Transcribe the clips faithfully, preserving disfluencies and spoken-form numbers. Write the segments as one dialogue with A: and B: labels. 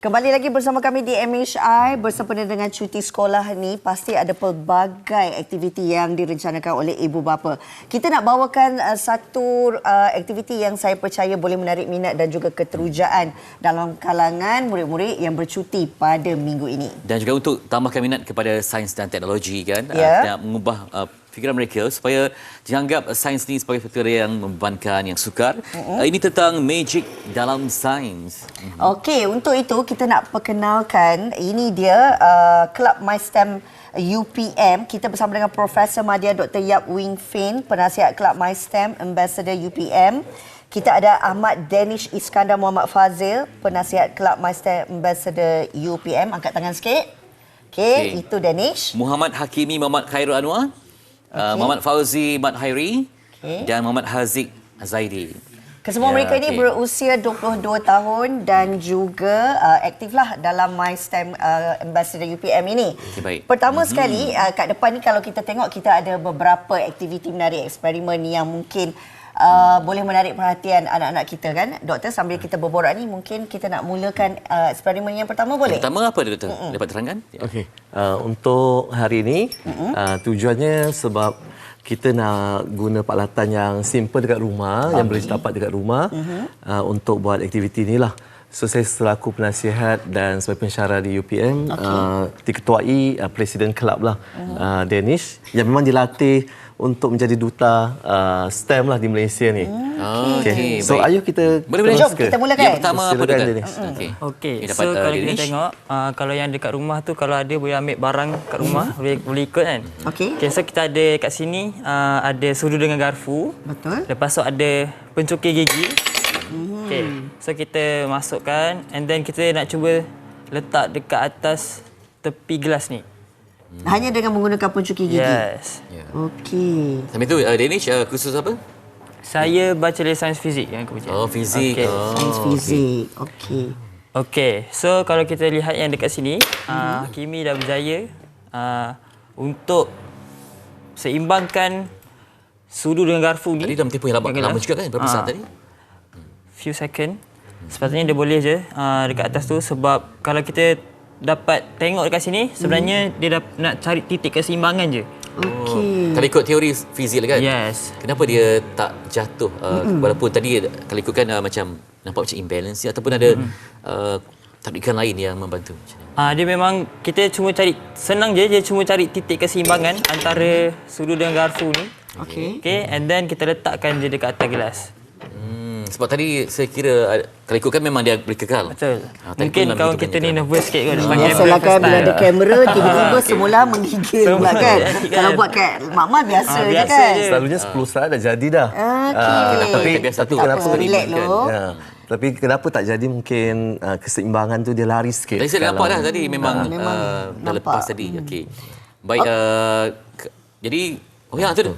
A: Kembali lagi bersama kami di M H I. Bersempena dengan cuti sekolah ni, pasti ada pelbagai aktiviti yang direncanakan oleh ibu bapa. Kita nak bawakan uh, satu uh, aktiviti yang saya percaya boleh menarik minat dan juga keterujaan dalam kalangan murid-murid yang bercuti pada minggu ini. Dan
B: juga untuk tambahkan minat kepada sains dan teknologi, kan?
A: Yeah.
B: Uh, mengubah uh, fikiran mereka supaya dianggap sains ni sebagai perkara yang membebankan, yang sukar. Uh-huh. Uh, ini tentang magic dalam sains.
A: Uh-huh. Okey, untuk itu kita nak perkenalkan, ini dia uh, Kelab MySTEM U P M. Kita bersama dengan Profesor Madya Doktor Yap Wing Fin, penasihat Kelab MySTEM Ambassador U P M. Kita ada Ahmad Danish Iskandar Muhammad Fazil, penasihat Kelab MySTEM Ambassador U P M. Angkat tangan sikit. Okey, okay. Itu Danish.
B: Muhammad Hakimi Muhammad Khairul Anwar. Okay. Uh, Muhammad Fauzi Mat Hairi, okay. Dan Muhammad Haziq Zaidi.
A: Kesemua ya, mereka ini okay. berusia dua puluh dua tahun dan juga uh, aktiflah dalam MySTEM uh, Ambassador U P M ini. Okay, baik. Pertama mm-hmm. sekali, uh, kat depan ni kalau kita tengok, kita ada beberapa aktiviti menarik, eksperimen yang mungkin uh, boleh menarik perhatian anak-anak kita, kan? Doktor, sambil kita berborak ni, mungkin kita nak mulakan uh, eksperimen yang pertama, boleh?
B: Yang pertama apa, Doktor? Mm-mm. Dapat terangkan?
C: Okey. Uh, untuk hari ini, mm-hmm. uh, tujuannya sebab kita nak guna peralatan yang simple dekat rumah, okay. yang boleh dapat dekat rumah, uh-huh. uh, untuk buat aktiviti inilah. So, saya selaku penasihat dan sebagai pensyarah di U P M, okay. uh, diketuai uh, Presiden Kelab lah, uh-huh. uh, Danish, yang memang dilatih untuk menjadi duta uh, STEM lah di Malaysia ni.
A: Hmm.
C: Okay. Okay. So, baik. Ayo kita
A: boleh, jom kita mulakan.
B: Yang pertama apa, Doktor?
D: Okey. Okay. So, uh, kalau kita tengok, uh, kalau yang dekat rumah tu, kalau ada boleh ambil barang kat rumah, hmm. boleh, boleh ikut, kan?
A: Okey.
D: Okay, so kita ada kat sini, uh, ada sudu dengan garfu.
A: Betul.
D: Lepas tu ada pencukir gigi. Hmm. Okey. So, kita masukkan, and then kita nak cuba letak dekat atas tepi gelas ni.
A: Hmm. Hanya dengan menggunakan pencukir gigi?
D: Yes.
B: Yeah.
A: Okey.
B: Sambil tu, uh, Danish, uh, khusus apa?
D: Saya bachelor sains fizik yang aku baca.
B: Oh, fizik.
D: Okay.
B: Oh,
A: sains fizik. Okey.
D: Okey. So, kalau kita lihat yang dekat sini, hmm. uh, Hakimi dah berjaya uh, untuk seimbangkan sudu dengan garfu ni.
B: Tadi dalam tempoh yang lama, lama juga, kan? Berapa
D: uh,
B: saat tadi?
D: Few second. Sepatutnya dia boleh je uh, dekat atas tu, sebab kalau kita dapat tengok dekat sini, sebenarnya hmm. dia dah nak cari titik keseimbangan je.
A: Okey.
B: Kalau ikut teori fizik, kan?
D: Yes.
B: Kenapa dia tak jatuh? Uh, mm-hmm. Walaupun tadi kalau ikutkan uh, macam nampak macam imbalance, ataupun ada mm-hmm. uh, tarikan lain yang membantu.
D: Ah, dia memang kita cuma cari, senang je, dia cuma cari titik keseimbangan antara sudu dengan garfu ni.
A: Okey.
D: Okey, and then kita letakkan dia dekat atas gelas.
B: Sebab tadi saya kira kalau ikutkan memang dia boleh kekal.
D: Betul.
B: Ha,
D: mungkin kawan kita ni nervous sikit kot.
A: Biasalah kan bila ada kamera, tiba-tiba semula menggigil pula, kan? Kalau buat kat Mak-Mak biasa, ha, biasa je, kan?
C: Je. Selalunya sepuluh saat dah jadi dah.
A: Okey.
C: Uh, tapi
B: tapi
C: kenapa
A: relax dulu?
C: Ya. Tapi kenapa tak jadi, mungkin uh, keseimbangan tu dia lari sikit.
B: Tadi saya nampak dah tadi memang,
A: ha, memang
B: uh, dah
A: nampak.
B: lepas tadi. Okey. Baik, uh, jadi oh ya, tu tu.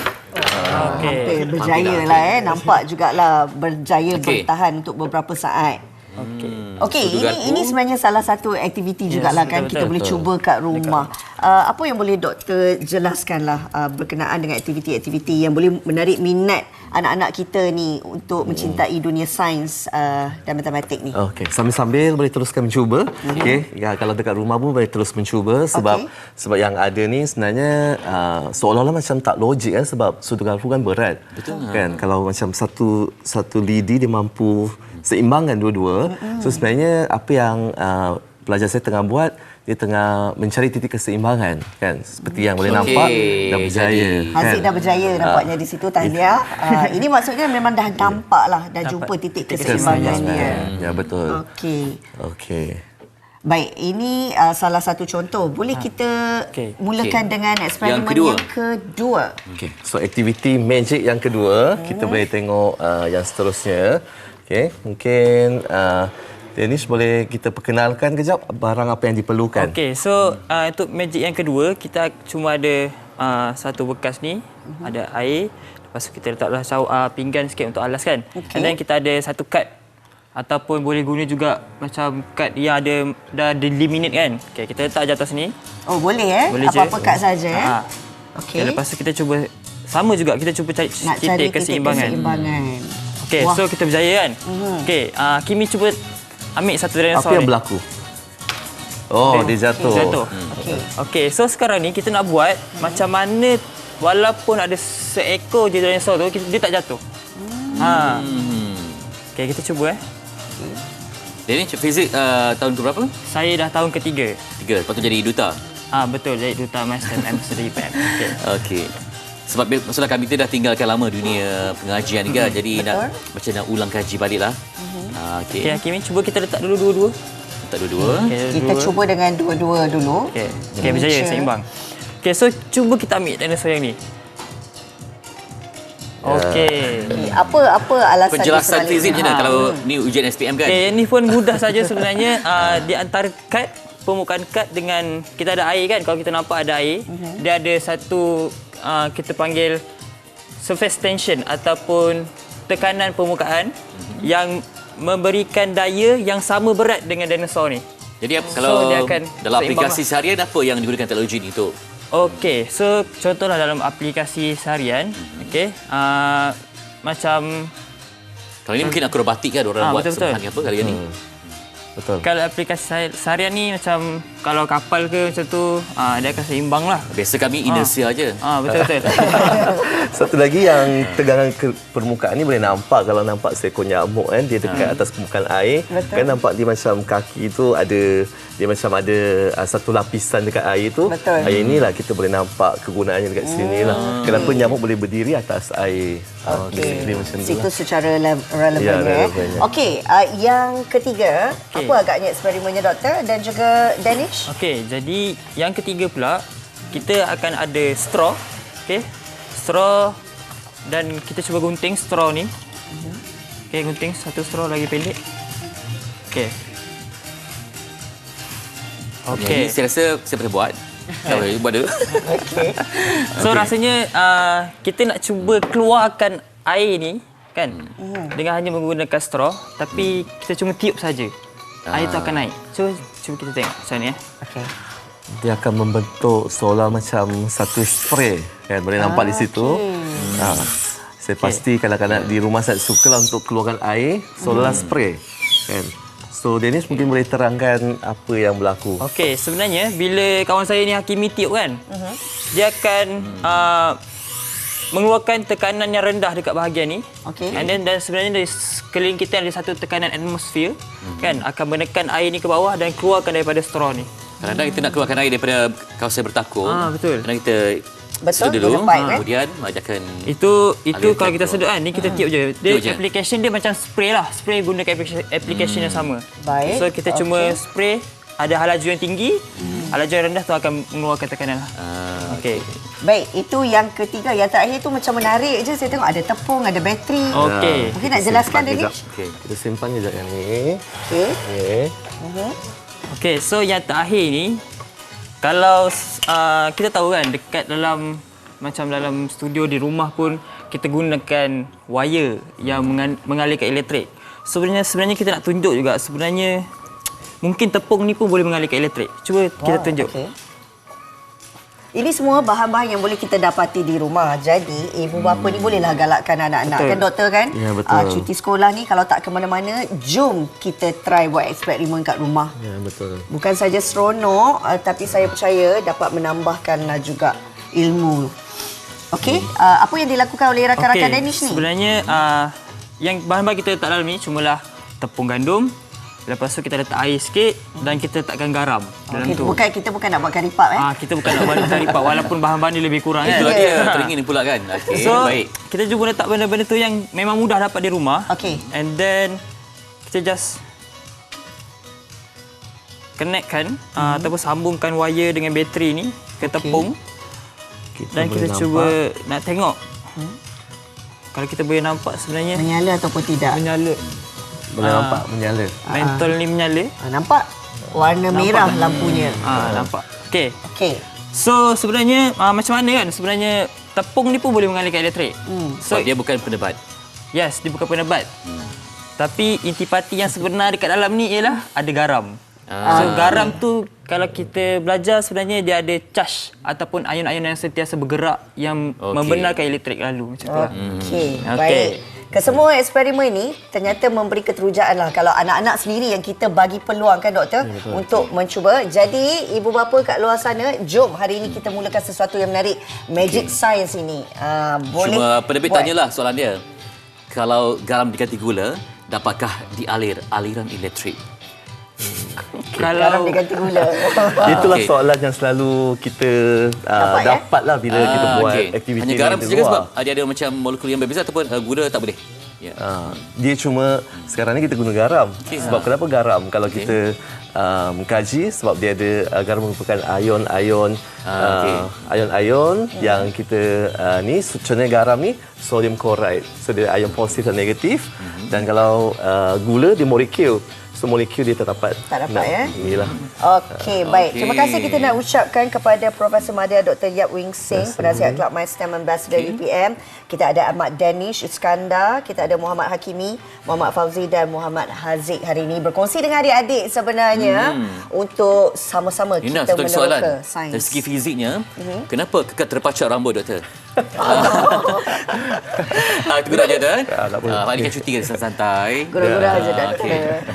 A: Uh, okay. Hampir berjaya lah, eh. Nampak jugalah berjaya okay. bertahan untuk beberapa saat. Okey. Okey, ini ini sebenarnya salah satu aktiviti yes, jugalah, kan? Betul, kita betul, boleh betul. cuba kat rumah. Uh, apa yang boleh doktor jelaskanlah uh, berkenaan dengan aktiviti-aktiviti yang boleh menarik minat anak-anak kita ni untuk hmm. mencintai dunia sains uh, dan matematik ni?
C: Okey, sambil-sambil boleh teruskan mencuba. Hmm. Okey, ya, kalau dekat rumah pun boleh terus mencuba, sebab okay. sebab yang ada ni sebenarnya uh, seolah-olah macam tak logik, kan, sebab sudu garfu kan berat. Betul. Kan, kalau macam satu satu lidi dia mampu seimbangkan dua-dua. Mm-hmm. So, sebenarnya apa yang uh, pelajar saya tengah buat, dia tengah mencari titik keseimbangan, kan, seperti yang boleh okay. nampak dah berjaya.
A: Haziq
C: kan?
A: dah berjaya nampaknya uh, di situ, tahniah. Uh, ini maksudnya memang dah nampak lah, dah jumpa titik keseimbangan dia.
C: Ya, betul.
A: Okey.
C: Okey.
A: Baik, ini uh, salah satu contoh. Boleh kita okay. mulakan okay. dengan eksperimen yang kedua. Yang kedua.
C: Okey. So, aktiviti magic yang kedua, hmm. kita boleh tengok uh, yang seterusnya. Okey, mungkin uh, Danish boleh kita perkenalkan kejap barang apa yang diperlukan.
D: Okey, so uh, untuk magic yang kedua, kita cuma ada uh, satu bekas ni, uh-huh. ada air. Lepas tu kita letaklah uh, pinggan sikit untuk alas, kan. Okay. And then kita ada satu kad, ataupun boleh guna juga macam kad yang ada dah delimited, kan. Okey, kita letak je atas ni.
A: Oh, boleh eh? Boleh apa-apa kad saja eh.
D: Ha. Okey. Okay, lepas tu kita cuba sama juga, kita cuba cari
A: Nak
D: titik
A: cari
D: keseimbangan.
A: keseimbangan.
D: Okey, so kita berjaya, kan. Uh-huh. Okey, uh, Kimi cuba ambil satu
C: Apa
D: dinosaur
C: yang
D: ni.
C: berlaku? Oh,
D: Okay.
C: dia jatuh.
D: Jatuh.
A: Okey. Hmm.
D: Okey, so sekarang ni kita nak buat macam mana walaupun ada seekor je dinosaur tu, kita- dia tak jatuh. Hmm. Ha. Okey, kita cuba eh.
B: Dia ni fizik uh, tahun ke berapa?
D: Saya dah tahun ketiga.
B: Tiga. Lepas tu jadi duta.
D: Ah betul, jadi duta Master Ambassador I P M. Okey.
B: Okey. Sebab bil- maksudnya kami kita dah tinggalkan lama dunia pengajian ni kan. Jadi nak macam nak ulang kaji balik lah. Ah,
D: Okey,
B: Okey.
D: Hakim, cuba kita letak dulu dua-dua.
B: Tak dua-dua.
D: Okey,
A: Kita
D: dua.
A: cuba dengan dua-dua dulu.
D: Okey, okey berjaya
A: Sure.
D: seimbang. Okey, so cuba kita ambil dinosaur yang ni. Okey.
A: Okay. Apa apa alasan
B: Penjelasan
A: di sebalik
B: fizik
A: ni?
B: je nak
D: Ha.
B: kalau ni ujian S P M kan.
D: Okey, yang ni pun mudah saja sebenarnya. Uh, di antara kad, permukaan kad dengan kita ada air kan. Kalau kita nampak ada air, uh-huh. dia ada satu uh, kita panggil surface tension ataupun tekanan permukaan uh-huh. yang memberikan daya yang sama berat dengan dinosaur ni.
B: Jadi kalau
D: dia akan
B: dalam
D: seimbang
B: aplikasi seharian apa yang digunakan teknologi ni untuk?
D: Okey, so contohlah dalam aplikasi seharian, okey, uh, macam
B: Kalau ni mungkin akrobatik kan orang
D: Ah,
B: buat
D: betul-betul.
B: sebuah ni apa kali ni.
C: Betul.
D: kalau aplikasi se- seharian ni macam kalau kapal ke macam tu, uh, dia akan seimbang lah.
B: Biasa kami inersia aje.
D: Ah betul-betul.
C: Satu lagi yang tegangan ke permukaan ni boleh nampak kalau nampak seekor nyamuk kan dia dekat atas permukaan air.
A: Betul.
C: Kan nampak dia macam kaki tu ada dia macam ada uh, satu lapisan dekat air tu.
A: Betul.
C: Air inilah kita boleh nampak kegunaannya dekat sini lah. Kenapa nyamuk boleh berdiri atas air. Ah,
A: Okey.
C: basically macam tu
A: Situ
C: lah.
A: secara le- relevan
C: Ya,
A: ya.
C: relevannya.
A: Okey, uh, yang ketiga,
D: Okey.
A: apa agaknya eksperimennya doktor dan juga Danish?
D: Okey, jadi yang ketiga pula kita akan ada straw, okey. Straw dan kita cuba gunting straw ni. Okey, gunting satu straw lagi pendek. Okey.
B: Okey.
D: Okey.
B: Saya rasa saya pernah buat. Tak boleh buat dulu.
D: So rasanya uh, kita nak cuba keluarkan air ni kan dengan hanya menggunakan straw tapi kita cuma tiup saja. Air tu akan naik. Cuba cuba kita tengok macam ni eh.
A: Okey.
C: Dia akan membentuk seolah macam satu spray kan boleh nampak di situ. Ha. Saya pasti kadang-kadang di rumah saya sukalah untuk keluarkan air seolah spray kan. So Dennis mungkin boleh terangkan apa yang berlaku.
D: Okey, sebenarnya bila kawan saya ni Hakimi tiup kan, uh-huh. dia akan uh, mengeluarkan tekanan yang rendah dekat bahagian ni.
A: Okey.
D: And then dan sebenarnya dari sekeliling kita ada satu tekanan atmosfer uh-huh. kan akan menekan air ni ke bawah dan keluarkan daripada straw ni.
B: Kadang-kadang kita nak keluarkan air daripada kawasan bertakung.
D: Ah, betul.
B: Kadang kita
A: Betul,
B: sedut dulu.
A: guna pipe, kan?
B: Kemudian ajakkan
D: Itu itu
B: Alir
D: kalau kita
B: tu.
D: sedut kan, ni kita tiup je. Dia
B: Tiup je.
D: application dia macam spray lah. Spray gunakan application, application yang sama.
A: Baik,
D: So kita cuma
A: okey.
D: spray, ada halaju yang tinggi, halaju yang rendah tu akan mengeluarkan tekanan lah.
B: Ah,
D: Okey.
A: Baik, itu yang ketiga. Yang terakhir tu macam menarik je. Saya tengok ada tepung, ada bateri.
D: Okey.
A: Mungkin nak jelaskan
C: Simpan
A: Danish?
C: kejap.
B: okey.
C: Kita simpan kejap yang ni.
A: Okey.
C: Okey.
D: Okey, so yang terakhir ni kalau uh, kita tahu kan dekat dalam macam dalam studio di rumah pun kita gunakan wire yang mengan- mengalirkan elektrik. Sebenarnya sebenarnya kita nak tunjuk juga sebenarnya mungkin tepung ni pun boleh mengalirkan elektrik. Cuba kita tunjuk.
A: Okey. Ini semua bahan-bahan yang boleh kita dapati di rumah. Jadi, ibu bapa ni bolehlah galakkan anak-anak.
D: Betul.
A: Kan doktor kan?
C: Ya, betul.
A: Ah, cuti sekolah ni kalau tak ke mana-mana, jom kita try buat eksperimen kat rumah.
C: Ya, betul.
A: Bukan saja seronok, uh, tapi saya percaya dapat menambahkanlah juga ilmu. Okey, uh, apa yang dilakukan oleh rakan-rakan
D: Okey,
A: Danish ni?
D: sebenarnya uh, yang bahan-bahan kita letak dalam ni cumalah tepung gandum. Lepas tu kita letak air sikit dan kita letakkan garam dalam
A: Okey,
D: tu.
A: bukan kita bukan nak buat kari pap eh.
D: Ah, kita bukan nak buat kari pap walaupun bahan-bahan ni lebih kurang kan.
B: Itu dia teringin pula kan. Okey,
D: So,
B: baik.
D: kita cuba letak benda-benda tu yang memang mudah dapat di rumah.
A: Okey.
D: And then kita just connectkan hmm. uh, ataupun sambungkan wire dengan bateri ni ke tepung.
C: Kita
D: Dan kita
C: boleh
D: cuba
C: nampak.
D: nak tengok. Hmm. Kalau kita boleh nampak sebenarnya
A: Menyala ataupun tidak?
D: menyala.
C: Boleh nampak menyala.
D: Mentol ni menyala.
A: Ah, nampak? Warna merah lampunya.
D: Ah, nampak. Okey.
A: Okey.
D: So sebenarnya uh, macam mana kan? Sebenarnya tepung ni pun boleh mengalirkan elektrik.
A: Hmm.
D: So
B: Sebab dia bukan penebat.
D: yes, dia bukan penebat. Hmm. Tapi intipati yang sebenar dekat dalam ni ialah ada garam.
B: Ah.
D: So garam tu kalau kita belajar sebenarnya dia ada charge ataupun ion-ion yang sentiasa bergerak yang
B: Okey.
D: membenarkan elektrik lalu macam tu lah.
A: Okey.
D: Okey.
A: Baik. Kesemua eksperimen ini ternyata memberi keterujaan lah kalau anak-anak sendiri yang kita bagi peluang kan doktor ya, untuk mencuba. Jadi ibu bapa kat luar sana, jom hari ini kita mulakan sesuatu yang menarik. Magic okay. Science ini. Uh, boleh
B: Cuma penerbit tanyalah soalan dia. Kalau garam diganti gula, dapatkah dialir aliran elektrik?
A: Kalau garam diganti gula.
C: Itulah
B: okay.
C: soalan yang selalu kita uh,
A: dapat,
C: dapatlah bila
B: ah,
C: kita buat
B: okay.
C: aktiviti
B: Hanya garam
C: di
B: saja
C: luar.
B: sebab ada ada macam molekul yang berbeza ataupun uh, gula tak boleh. Yeah.
C: Uh, dia cuma sekarang ni kita guna garam.
B: Okay.
C: Sebab
B: Ha.
C: kenapa garam? Kalau
B: Okay.
C: kita uh, mengkaji sebab dia ada uh, garam merupakan ion-ion
B: Ah, okay.
C: uh, ion-ion hmm. yang kita uh, ni contohnya garam ni sodium chloride. So dia ion positif dan negatif. Hmm. Dan kalau uh, gula dia molekul. So molekul dia tak dapat.
A: Tak dapat ya.
C: Inilah.
A: Okey, baik.
B: Okey.
A: Terima kasih kita nak ucapkan kepada Profesor Madya Doktor Yap Wing Sing, penasihat Kelab My STEM Ambassador
B: Okay.
A: U P M. Kita ada Ahmad Danish Iskandar, kita ada Muhammad Hakimi, Muhammad Fauzi dan Muhammad Haziq hari ini berkongsi dengan adik-adik sebenarnya hmm. untuk sama-sama
B: Nina,
A: kita
B: satu lagi soalan.
A: meneroka sains.
B: Dari segi fiziknya,
A: Mhm.
B: kenapa kekal terpacak rambut, doktor? Ah, itu guna je, doktor.
C: Ah, tak boleh.
B: Ah, Pak ni kan cuti kan santai-santai.
A: Gurau-gurau je
B: Ah,
A: doktor.
B: okey.